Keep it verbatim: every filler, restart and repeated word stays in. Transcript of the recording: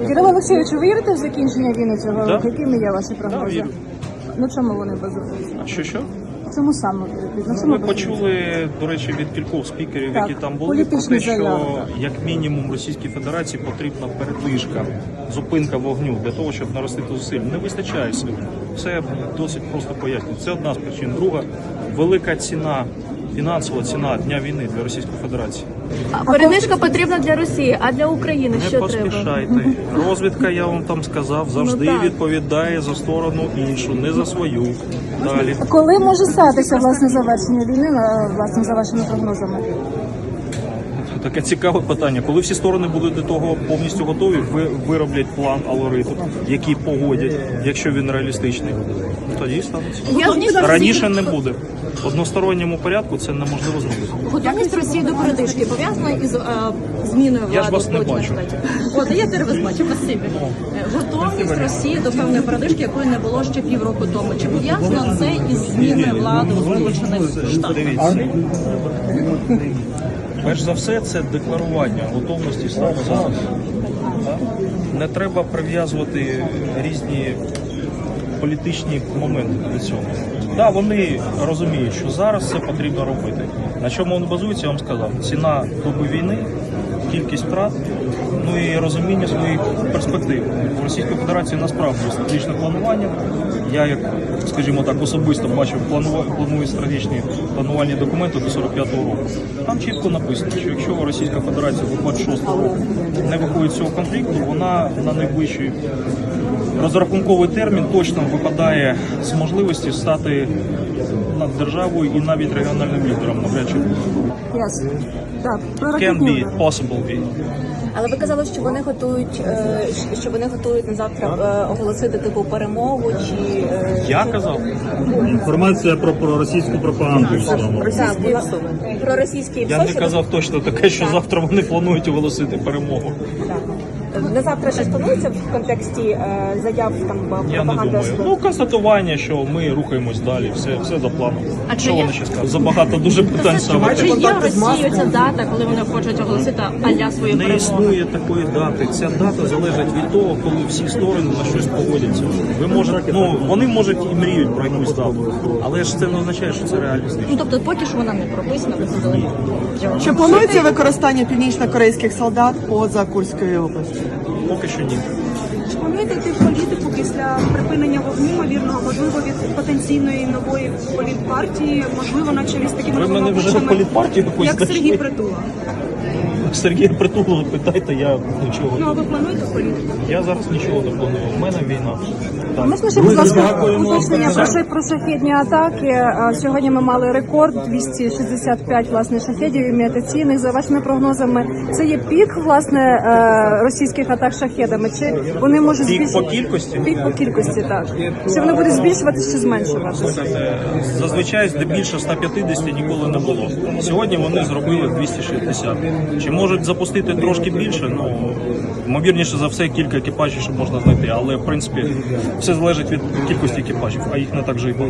Кирило Олексійович, ви вірите в закінчення війни цього Да. року? Якими є ваші Да, прогнози? вірю. На чому вони базуються? А що що? Чому саме вірите? На чому Ми базуються? почули, до речі, від кількох спікерів, Так, які там були, про політичні те, що заяви, так. як мінімум Російській Федерації потрібна передвижка, зупинка вогню для того, щоб наростити зусиль. Не вистачає сил. Все досить просто пояснює. Це одна з причин. Друга велика ціна. Фінансова ціна дня війни для Російської Федерації. Передвижка потрібна для Росії, а для України Не що треба? поспішайте. Розвідка, я вам там сказав, завжди Ну, так. відповідає за сторону іншу, не за свою. Далі. Коли може статися власне завершення війни, на- власне, за вашими прогнозами? Таке цікаве питання. Коли всі сторони будуть до того повністю готові, ви вироблять план, алгоритм, який погодять, якщо він реалістичний, тоді станеться. Готовність Раніше не буде. В односторонньому порядку це неможливо зробити. Готовність Росії до передвижки пов'язана із е, зміною влади. Я ж вас не в Сполучених бачу. Штатах? От, я тебе вас бачу, спасибі. Е, Готовність Росії до певної передвижки, якої не було ще півроку тому. Чи пов'язано це із зміною влади у Сполучених Штатах? Дивіться. Перш за все, це декларування готовності саме зараз. Так? Не треба прив'язувати різні політичні моменти до цього. Так, вони розуміють, що зараз це потрібно робити. На чому він базується, я вам сказав. Ціна доби війни, кількість втрат, ну і розуміння своїх перспектив. У Російської Федерації насправді стратегічне планування. Я, як, скажімо так, особисто бачив планува- планують стратегічні планувальні документи до сорок п'ятого року. Там чітко написано, що якщо Російська Федерація до двадцять шостого року не виходить з цього конфлікту, вона на найближчий розрахунковий термін точно випадає з можливості стати над державою і навіть регіональним лідером. Навряд чи Ясно. Так, про can ракетні be, удари. possible be. Але ви казали, що вони готують, е, що вони готують на завтра е, оголосити типу перемогу чи е, Я казав, Інформація про, про російську пропаганду в цілому. так, була- про російські я не псо, казав точно таке, що завтра вони планують оголосити перемогу. на завтра щось планується в контексті е, заяв там Я не думаю. Ну, констатування, що ми рухаємось далі, все, все за планом. А чи Що є- вони ще скажуть? Забагато дуже питань Чи ставити. є в Росії ця дата, коли вони хочуть оголосити аля свою Не перемогу? існує такої дати. Ця дата залежить від того, коли всі сторони на щось погодяться. Ви можете, ну вони можуть і мріють про якусь дату, але ж це не означає, що це реалістично. Ну тобто поки що вона не прописана, ви сказали. Чи планується використання північно-корейських солдат поза Курською областю? Поки що ні. Чи плануєте йти в політику після припинення вогню, ймовірного, можливо, від потенційної нової політпартії, можливо, на чолі з такими Ви мене вже новообраними, політпартію якусь як знайшли? Сергій Притула? Сергія Притула питайте, я нічого. Ну, а ви плануєте в політику? Я зараз нічого не планую. У мене війна. Так. Можна ще, будь ласка, дякуємо. уточнення про, ша- про шахедні атаки. А, Сьогодні ми мали рекорд двісті шістдесят п'ять власне шахедів імітаційних. За вашими прогнозами, це є пік власне е, російських атак шахедами? Чи вони можуть Пік збільшити? по кількості? Пік по кількості, так. Чи вони будуть збільшуватися чи зменшуватися? Слухайте, зазвичай здебільшого ста п'ятдесят ніколи не було. Сьогодні вони зробили двісті шістдесят. Чи можуть запустити трошки більше? Ну, ймовірніше за все, кілька екіпажів ще можна знайти. Але, в принципі, все залежить від кількості екіпажів, а їх не так же і багато.